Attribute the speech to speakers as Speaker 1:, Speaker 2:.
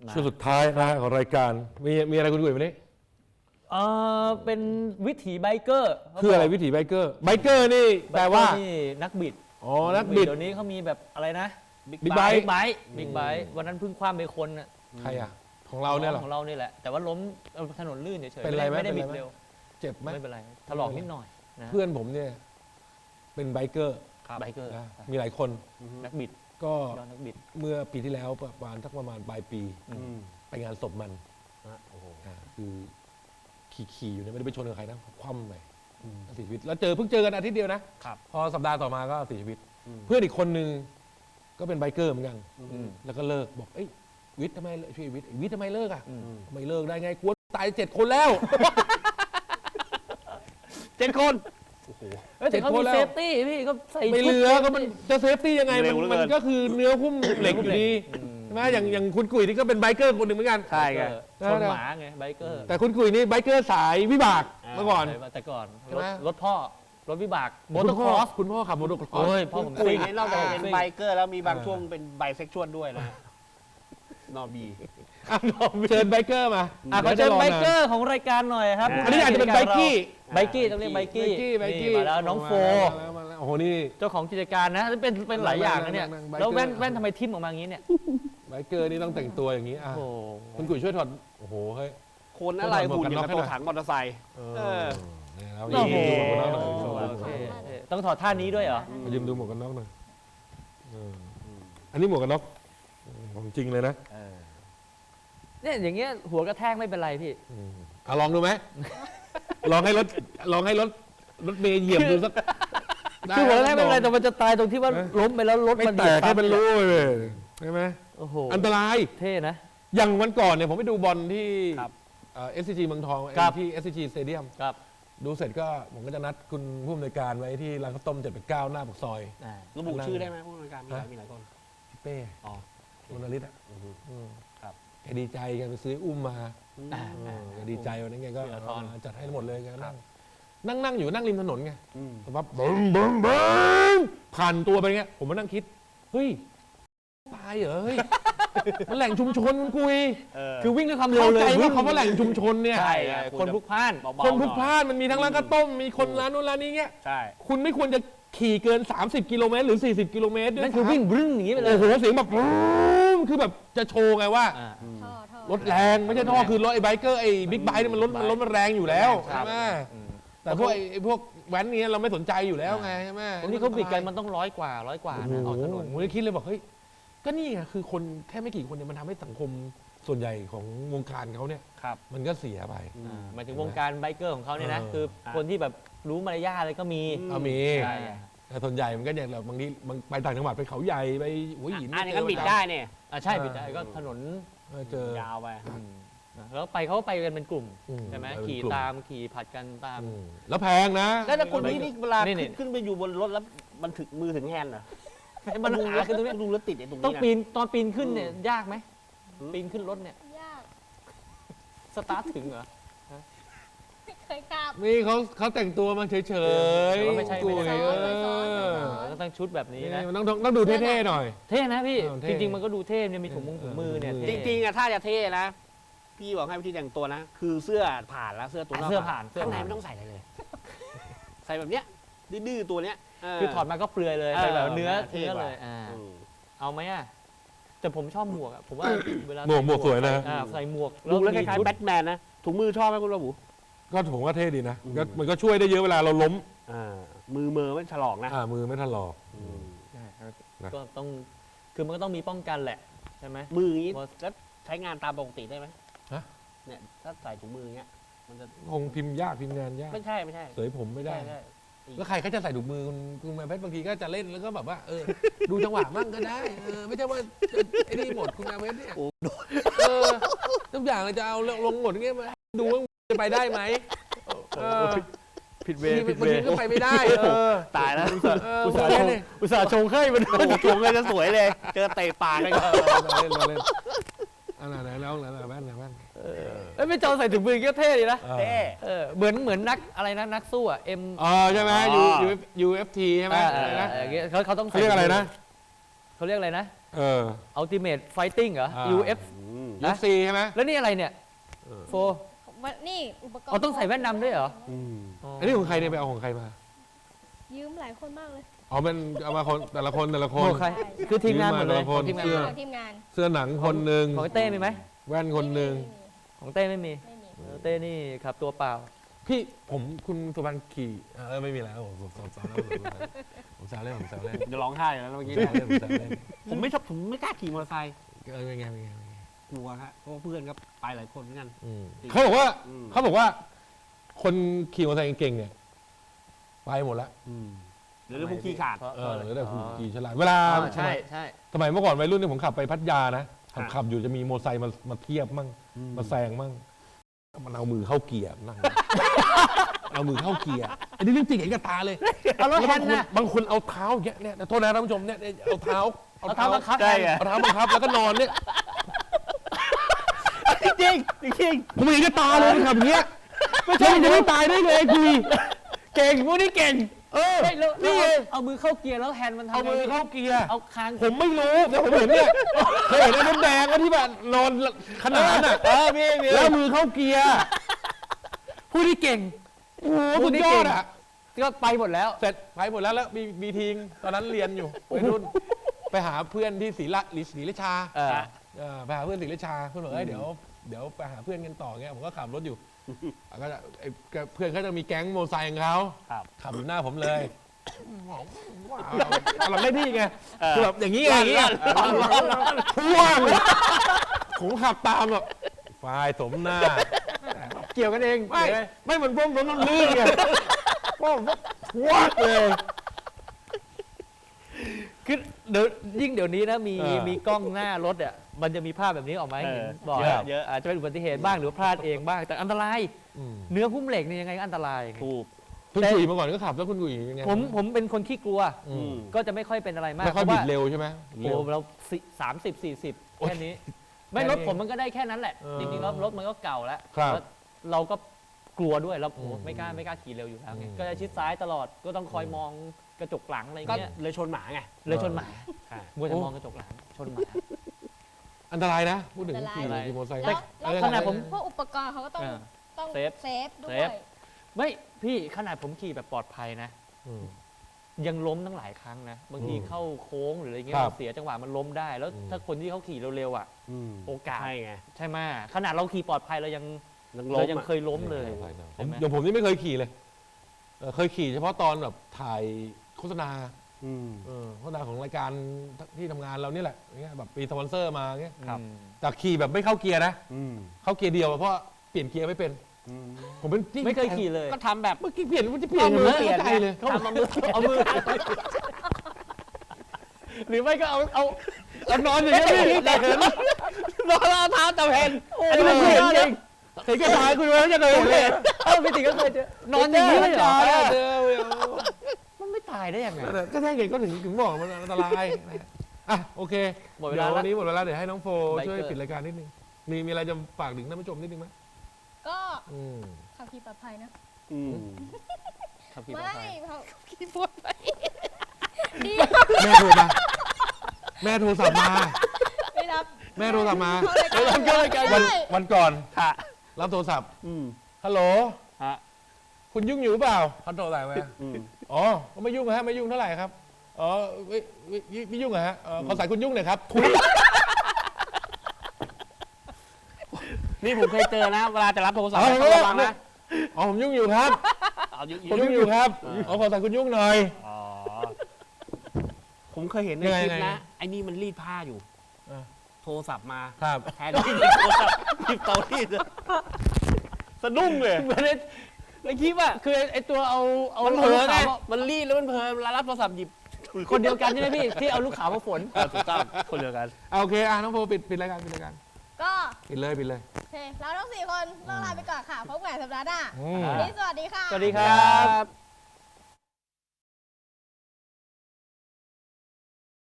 Speaker 1: ช่วงสุดท้ายนะของรายการมีอะไรคุณกุ๋ยวันนี้
Speaker 2: เป็นวิถีไบเกอร์
Speaker 1: คืออะไรวิถีไบเกอร์นี่แปลว่า
Speaker 2: นี่นักบิด
Speaker 1: อ๋อนักบิด
Speaker 2: เดี๋ยวนี้เขามีแบบอะไรนะ
Speaker 1: บิ๊กไบค์
Speaker 2: วันนั้นเพิ่งคว้าไปคนน่ะ
Speaker 1: ใครอ่ะของเราเนี่ยหรอ
Speaker 2: ของเรานี่แหละแต่ว่าล้มถนนลื่นเฉยๆ
Speaker 1: เป็นไรไหม
Speaker 2: ไม่ได้บิดเร็ว
Speaker 1: เจ็บไหม
Speaker 2: ไม่เป็นไรถลอกนิดหน่อย
Speaker 1: เพื่อนผมเนี่ยเป็นไบเกอร์มีหลายคน
Speaker 2: นักบิด
Speaker 1: ก็เมื่อปีที่แล้วประมาณปลายปีไปงานศพมันคือขี่อยู่เนี่ยไม่ได้ไปชนกับใครนะคว่ำไปเสียชีวิตแล้วเพิ่งเจอกันอาทิตย์เดียวนะพอสัปดาห์ต่อมาก็เสียชีวิตเพื่อนอีกคนนึงก็เป็นไบเกอร์เหมือนกันแล้วก็เลิกบอกวิทย์ทำไมช่วยวิทย์ทำไมเลิกอ่ะไม่เลิกได้ไงกลัวตาย7 คนแล้ว
Speaker 2: 7 คนแต่เขามีเซฟตี้พี่ก็ใส่
Speaker 1: ไม่เหลือก็มันจะเซฟตี้ยังไงมันก็คือเนื้อหุ้มเหล็กอยู่ดีใช่ไหมอย่างคุณกุ๋ยนี่ก็เป็นไบเกอร์คนหนึ่งเหมือนกัน
Speaker 2: ใช่ไงชนหมาไงไบเกอร์
Speaker 1: แต่คุณกุ๋ยนี่ไบเกอร์สายวิบากเมื่อก่อน
Speaker 2: แต่ก่อนรถพ่อรถวิบาก
Speaker 1: มอเตอร์ครอสคุณพ่อขับมอเตอร์ครอส
Speaker 2: พ่อผม
Speaker 3: กุ๋ยนี่นอกจากเป็นไบเกอร์แล้วมีบางช่วงเป็นไบเซ็กชวลด้วยนะนอบี
Speaker 1: เชิญไบเกอร์มา
Speaker 2: ขอเชิญไบเกอร์ของรายการหน่อยครับ
Speaker 1: อันนี้อาจจะเป็นไบกี้
Speaker 2: ต้องเรียกไบกี้มาแล้วน้องโฟ
Speaker 1: โอ้โหนี่
Speaker 2: เจ้าของกิจการนะเป็นหลายอย่างนะเนี่ยแล้วแว่นทำไมทิ่มออกมาอย่างนี้เนี่ย
Speaker 1: ไบเกอร์นี่ต้องแต่งตัวอย่างนี้คุณกุ๋ยช่วยถอดโอ้โหเฮ้ย
Speaker 3: คนอะไรหุ่นอย่างตัวถังมอเตอร์ไซค์
Speaker 2: โอ้โหต้องถอดท่านี้ด้วยเหรอ
Speaker 1: ยืมดูหมวกกันน็อกหน่อยอันนี้หมวกกันน็อกของจริงเลยนะ
Speaker 2: เนี่ยอย่างเงี้ยหัวกระแทกไม่เป็นไรพี่
Speaker 1: ลองดูไหมลองให้รถเมย์เหยียบดูสัก
Speaker 2: คือหัวกระแทกไม่เป็นไรแต่มันจะตายตรงที่ว่าล้มไปแล้วรถมัน
Speaker 1: แตกให้เป็นรูเลยใช่ไหม
Speaker 2: โอ้โห
Speaker 1: อันตราย
Speaker 2: เท่นะ
Speaker 1: อย่างวันก่อนเนี่ยผมไปดูบอลที่SCG เมืองทองที่ SCG Stadium ดูเสร็จก็ผมก็จะนัดคุณผู้อำนวยการไว้ที่ร้านข้าวต้ม789หน้าปากซอย
Speaker 3: ระบุชื่อได้ไหมผู้อำนวยการมีหลายคน
Speaker 1: พี่เป้คุณนฤทธิ์แกดีใจแกไปซื้ออุ้มมาแกดีใจวันนั้นแกก็จัดให้หมดเลยแกนั่งอยู่นั่งริมถนนไงแต่ว่าบึ้มผ่านตัวไปเงี้ยผมมานั่งคิดเฮ้ยตายเหรอเฮ้ยมันแหล่งชุมชนคุณกุย
Speaker 2: คือวิ่งด้วยความเร็วเลย
Speaker 1: ว่าเขาว่าแหล่งชุมชนเนี่ย
Speaker 2: คนพลุกพล่าน
Speaker 1: มันมีทั้งร้านข้าวต้มมีคนร้านนู้นร้านนี้เงี้ย
Speaker 3: ใช่
Speaker 1: คุณไม่ควรจะขี่เกิน30 กิโลเมตรหรือ40 กิโลเมตร
Speaker 2: นั่นคือวิ่งบึ้งอย่างนี้ไปเลย
Speaker 1: โอ้โหเสียงแบบคือแบบจะโชว์ไงว่ารถแรงไม่ใช่ท่อคือรถไอ้ไบเกอร์ไอ้บิ๊กไบค์เนี่ยมันรถมันแรงอยู่แล้วใช่ไหมแต่พวกแว้นนี้เราไม่สนใจอยู่แล้วไงใช่ไหม
Speaker 2: วันนี้เขาบิดกันมันต้อง100 กว่านะออกถนน
Speaker 1: ผมเลยคิดเลยบอกเฮ้ยก็นี่ไงคือคนแค่ไม่กี่คนเนี่ยมันทำให้สังคมส่วนใหญ่ของวงการเขาเนี่ยมันก็เสียไป
Speaker 2: หมายถึงวงการไบเกอร์ของเขาเนี่ยนะคือคนที่แบบรู้มารยาทอะไรก็มี
Speaker 1: แต่ส่วนใหญ่มันก็อย่างบางทีไปต่างจังหวัดไปเขาใหญ่ไปหัวหิน
Speaker 3: อันนี้ก็บิดได้เนี่ย
Speaker 2: ใช่บิดได้ก็ถนน
Speaker 1: เจอย
Speaker 3: าวไป
Speaker 2: แล้วไปเขาไปกันเป็นกลุ่มใช่ไหมขี่ผัดกันตาม
Speaker 1: แล้วแพงนะ
Speaker 3: แล้วคนที่นี่เวลาขึ้นไปอยู่บนรถแล้วมันถึงมือถึงแฮนด์เหรอ
Speaker 2: มันหาขึ้นตรงนี้
Speaker 3: ดูแล้วติดไอ้ตรงนี้
Speaker 2: ต้องปีนตอนปีนขึ้นเนี่ยยากไหมปีนขึ้นรถเนี่ย
Speaker 4: ยาก
Speaker 2: สตาร์ทถึงเหรอ
Speaker 4: ไม่เคยขับ
Speaker 1: นี่เขาแต่งตัวมาเฉย
Speaker 2: ๆไม่ใช่ก็ต้องชุดแบบนี้นะ
Speaker 1: ต้องดูเท่ๆหน่อย
Speaker 2: เท่นะพี่จริงๆมันก็ดูเท่เนี่ยมีถุงมือเนี่ย
Speaker 3: จริงๆอะถ้าจะเท่นะพี่บอกให้วิธีแต่งตัวนะคือเสื้อผ่านแล้วเสื้อตัวนอกข้างในไม่ต้องใส่อะไรเลยใส่แบบเนี้ยดื้อตัวเนี้ย
Speaker 2: คือถอดมาก็เปลือยเลยไปแบบเนื้อเลยเอาไหมอ่ะแต่ผมชอบหมวกอ่ะผมว่าเวลา
Speaker 1: หมวกสวยนะ
Speaker 2: ใส่หมวก
Speaker 3: ดูแล้วคล้ายๆแบทแมนนะถุงมือชอบไหมคุณระบุ
Speaker 1: ก็ผมว่าเท่ดีนะมันก็ช่วยได้เยอะเวลาเราล้ม
Speaker 3: มือไม่ถลอกนะ
Speaker 1: มือไม่ถลอก
Speaker 2: ก็ต้องคือมันก็ต้องมีป้องกันแหละใช่ไหม
Speaker 3: มืออย่างนี้แล้วใช้งานตามปกติได้ไหมเนี่ยถ้าใส่ถุงมืออย่างเงี้ยมันจะ
Speaker 1: คงพิมพ์ยากพิมพ์งานยาก
Speaker 3: ไม่ใช่
Speaker 1: เสยผมไม่ได้แล้วใครเขาจะใส่ถุงมือคุณแม่เพชรบางทีก็จะเล่นแล้วก็แบบว่าดูจังหวะมั่งก็ได้ไม่ใช่ว่าไอ้นี่หมดคุณแม่เพชรเนี่ยทุกอย่างเราจะเอาลงหมดเงี้ยมาดูว่าจะไปได้ไหม
Speaker 2: ผิดเวย์
Speaker 1: ก็ไปไม่ได้
Speaker 3: ตายแล้ว
Speaker 2: อุตส่าห์ชงให้มัน
Speaker 3: ชงเลยจะสวยเลยเจอเตะปากเลย
Speaker 1: เล่นอะไรแล้วแว่น
Speaker 2: ไม่จอใส่ถุงมือก็เท่ดีนะเท่เหมือนนักอะไรนะนักสู้อ่ะ
Speaker 1: ใช่ไหม UFC ใช่ไหม
Speaker 2: เขาต้อง
Speaker 1: เรียกอะไรนะ
Speaker 2: เขาเรียกอะไรนะUltimate Fighting เหรอ UFC
Speaker 1: ยุคซีใช่ไหม
Speaker 2: แล้วนี่อะไรเนี่ย โฟ
Speaker 4: นี่อุปกรณ์
Speaker 2: อ๋อต้องใส่แว่นดำด้วยเหรอ
Speaker 1: อันนี้ของใครเนี่ยไปเอาของใครมา
Speaker 4: ยืมหลายคนมากเลย
Speaker 1: อ๋อมันเอามาคนแต่ละคนแต่ละคน
Speaker 2: โอ้ใคร คือทีมงานหมดเลย
Speaker 1: ทีมงาน
Speaker 2: ทีมงาน
Speaker 1: เสื้อ
Speaker 4: ของทีมงาน
Speaker 1: เสื้อหนังคนหนึ่ง
Speaker 2: ของเต้มีไหม
Speaker 1: แว่นคนหนึ่ง
Speaker 2: ของเต้ไม่มี
Speaker 4: ไม่มี
Speaker 2: เต้นี่ครับตัวเปล่า
Speaker 1: พี่ผมคุณสุพรรณขี่ไม่มีแล้วผมแซวเล่นผมแซวเล่นผมแซวเล่น
Speaker 3: จะร้องไห้อยู่แล้วเมื่อกี้
Speaker 1: ผมแซวเล่นผมแซวเล่น
Speaker 3: ผมไม่ชอบผมไม่กล้าขี่มอเตอร์ไซค์
Speaker 1: เป็นไง
Speaker 3: กลัวฮะเพราะว่าเพื่อนก็ไปหลายคนเหมือนกัน
Speaker 1: เขาบอกว่า
Speaker 3: อืม
Speaker 1: เขาบอกว่า คนขี่มอเตอร์ไซค์เก่งๆเนี่ยไปหมดแล้ว
Speaker 3: เดี๋ยวพวกขี่ขาด
Speaker 1: หรือแต่คุณขี่ฉลาดเวลา
Speaker 2: ใช่ใช่
Speaker 1: สมัยเมื่อก่อนวัยรุ่นเนี่ยผมขับไปพัทยานะ
Speaker 3: ครับ
Speaker 1: ขับอยู่จะมีมอเตอร์ไซค์มาเทียบมั่งมาแซงมั่งมันเอามือเข้าเกียร์นั่ง เอามือเข้าเกียร์อันนี้เรื่องจริงเห็นกับตาเลย
Speaker 2: เอาแล้ว
Speaker 1: แล้ว
Speaker 2: แฮ
Speaker 1: บาง
Speaker 2: น
Speaker 1: คน
Speaker 2: น่ะ
Speaker 1: บางคนเอาเท้าอย่างเงี้ยเนี่ยโทษนะท่านผู้ชมเนี่ยเอาเท้า
Speaker 2: เอาเท้าบังคับ
Speaker 3: ใช่ไง
Speaker 1: เอาเท้าบังคับแล้วก็นอนเนี่ย
Speaker 3: จริงจริง
Speaker 1: ผมเห็นกับตาเลยมันขับอย่างเงี้ยไม่ใช่จะไม่ตายได้เลยคุย
Speaker 2: เก่งพวกนี้เก่ง
Speaker 1: นี่
Speaker 2: นี่
Speaker 1: ไง
Speaker 2: เอามือเข้าเกียร์แล้วแฮนด์มันทำ
Speaker 1: เอามือเข้าเกียร์
Speaker 2: เอาคาง
Speaker 1: ผมไม่รู้แต่ผมเห็นเนี่ยเคยเห็นไอ้น้ำแดงว่าที่แบบนอนขนานอ่ะ
Speaker 2: มี
Speaker 1: แล้วมือเข้าเกียร์
Speaker 2: ผู้ที่เก่ง
Speaker 1: โอ้โหสุดยอดอ่ะ
Speaker 2: ก็ไปหมดแล้ว
Speaker 1: เสร็จไปหมดแล้วมีทีงตอนนั้นเรียนอยู่วัยรุ่นไปหาเพื่อนที่ศรีราชาไปหาเพื่อนศรีราชาเพื่อนบอกเดี๋ยวไปหาเพื่อนกันต่อเงี้ยผมก็ขับรถอยู่ก็จะเพื่อนเขาจะมีแก๊งโมไซค์ของเขาขับอยู่หน้าผมเลยว้าวเราได้ที่ไงคือแบบอย่างนี้ไงอย่างนี้พ่วงผมขับตามแบบไฟสมหน้า
Speaker 2: เกี่ยวกันเอง
Speaker 1: ไม่เหมือนผมต้องลื่นไงผมวัดเลย
Speaker 2: คือเดี๋ยวนี้นะมีกล้องหน้ารถอ่ะมันจะมีภาพแบบนี้ออกมาให้เห็นบ่อย
Speaker 3: เยอะ
Speaker 2: อาจจะเป็นอุบัติเหตุบ้างหรือพลาดเองบ้างแต่อันตรายเนื้อหุ้มเหล็กนี่ยังไงก็อันตราย
Speaker 3: ถูก
Speaker 1: คุณกุ๋ยมาก่อนก็ขับแล้วคุณกุ๋ยยังไง
Speaker 2: ผมเป็นคนขี้กลัว
Speaker 3: ม
Speaker 2: ก็จะไม่ค่อยเป็นอะไรมาก
Speaker 1: ไม่ค่อยบิดเร็วใช่ไหม
Speaker 2: โอ้เรา30-40 แค่นี้ ไม่รถผมมันก็ได้แค่นั้นแหละ จริงๆแล้วรถมันก็เก่าแล้ว
Speaker 1: ครับ
Speaker 2: แล้วเราก็กลัวด้วยเราไม่กล้าขี่เร็วอยู่แล้วไงก็จะชิดซ้ายตลอดก็ต้องคอยมองกระจกหลังอะไร
Speaker 3: ก็
Speaker 2: เงี้ย
Speaker 3: เลยชนหมาไง
Speaker 2: เลยชนหมา
Speaker 3: ใช่
Speaker 2: มัวจะมองกระจกหลังชนหมา
Speaker 1: อันตรายนะพูดถึงขี่
Speaker 2: อันตราย
Speaker 1: มอเตอร์ไซค์
Speaker 4: แล้ว
Speaker 2: ขนาดผม
Speaker 4: พวกอุปกรณ์เขาก็ต้อง ต้อง
Speaker 2: เซฟ
Speaker 4: เซฟด้ว
Speaker 2: เซ
Speaker 4: ย
Speaker 2: ฟ ไม่พี่ขนาดผมขี่แบบปลอดภัยนะ ยังล้มตั้งหลายครั้งนะบางทีเข้าโค้งหรืออะไรเงี้ย
Speaker 1: ครับ
Speaker 2: มันเสียจังหวะมันล้มได้ แล้วถ้าคนที่เขาขี่เร็วๆอ่ะโอกาส
Speaker 3: ใช่ไง
Speaker 2: ใช่ไหมขนาดเราขี่ปลอดภัยเรายัง
Speaker 3: ล้
Speaker 2: เรา
Speaker 3: ม
Speaker 2: ยัง
Speaker 3: อะ
Speaker 2: เคยล้มเลยใช่ไหม
Speaker 1: อย่างผมนี่ไม่เคยขี่เลยเคยขี่เฉพาะตอนแบบถ่ายโฆษณาโฆษณาของรายการที่ทำงานเรานี่แหละเงี้ยแบบมีสปอนเซอร์มาเงี้ย
Speaker 2: ครับ
Speaker 1: แต่ขี่แบบไม่เข้าเกียร์นะเข้าเกียร์เดียวเพราะเปลี่ยนเกียร์ไม่เป็นผมเป็นที่
Speaker 2: ไม่เคยขี่เลย
Speaker 3: ก็ทำแบบ
Speaker 1: เมื่อกี้เปลี่ยนมันจะเปลี่ยน
Speaker 3: เอามือ
Speaker 1: เปลี่ยนใจเลย
Speaker 3: ทำเอามือ
Speaker 2: หรือไม่ก็เอา
Speaker 1: นอนอย่างนี้พี่แต่เห็น
Speaker 3: นอนแล้วเอาเท้าจับแผ่น
Speaker 2: อันนี้มันเคยเห็นจริง
Speaker 1: เห็นแค่ตายคุณไม่จะเคยเห็นเลย
Speaker 2: พี่ติ๋งก็เคยเจอนอนอย่างนี้เลยเหรอ
Speaker 1: เจอ
Speaker 2: มันไม่ตายได้ยังไง
Speaker 1: ก็ใช่ไงก็ถึงบอกมันอันตรายอ่ะโอเค
Speaker 2: หมดเว
Speaker 1: เดี๋
Speaker 2: ลา
Speaker 1: ยว
Speaker 2: แล้ว
Speaker 1: วันนี้หมดเวลาเดี๋ยวให้น้องโฟ
Speaker 2: ไบเกอร์
Speaker 1: ช่วยปิดรายการนิดนึงมีอะไรจะฝากถึงท่านผู้ชมนิดนึงไหม
Speaker 4: ก็ขับขี่ปลอดภัยนะ
Speaker 2: ขับขี่ปลอด
Speaker 4: ไม่
Speaker 2: ภัย
Speaker 4: ขับขี่ปลอดภัยดี
Speaker 1: แม่โทรมาแม่โทรศัพท์มา
Speaker 4: ไม่รับ
Speaker 1: แม่โทรศัพท์มา
Speaker 4: เข้ารายการได้
Speaker 1: วันก่อน
Speaker 3: ค่ะ
Speaker 1: รับโทรศัพท์
Speaker 3: อืม
Speaker 1: ฮัลโหล
Speaker 3: ฮะ
Speaker 1: คุณยุ่งอยู่เปล่าเขาโทรสายมาอ๋อก็ไม่ยุ่งฮะไม่ยุ่งเท่าไหร่ครับอ๋อไม่ยุ่งเหรอฮะขอสายคุณยุ่งหน่อยครับทุย
Speaker 3: นี่ผมเคยเจอนะ เวลาจะรับโทรศัพท์
Speaker 1: เอา
Speaker 3: ต้องระวังนะ
Speaker 1: อ๋อผมยุ่งอยู่ครับ
Speaker 3: เอายุ่ง
Speaker 1: ผมยุ่งอยู่ครับขอสายคุณยุ่งหน่อย
Speaker 3: อ๋อผมเคยเห็นใน
Speaker 1: ยังไง
Speaker 3: คลิป
Speaker 1: ยังไง
Speaker 3: นะไอ้นี่มันรีดผ้าอยู่
Speaker 1: เออ
Speaker 3: โทรศัพท์มา
Speaker 1: ครับ
Speaker 3: แทนที่จะโทรศัพท์หยิบเตารีดอะสะดุ้งเลย
Speaker 2: เหมือนในคลิปอะคือไอตัวเอา
Speaker 3: มันเผลอไง
Speaker 2: ลูกขาว
Speaker 3: มันรีดแล้วมันเผลอเวลารับโทรศัพท์หยิบ
Speaker 2: คนเดียวกันใช่ไหมพี่ที่เอาลูกขาวมาฝน
Speaker 3: ถูกต้องคนเดียวกัน
Speaker 1: โอเคน้องโฟปิดรายการปิดรายการ
Speaker 4: ก็
Speaker 1: ปิดเลย
Speaker 4: โอเคเราทั้ง4 คนต้องลาไปก่อนค่ะพบกันใหม่สัปดาห์หน้า
Speaker 1: อืม
Speaker 4: วันนี้สวัสดีค่ะ
Speaker 2: สวัสดีครับ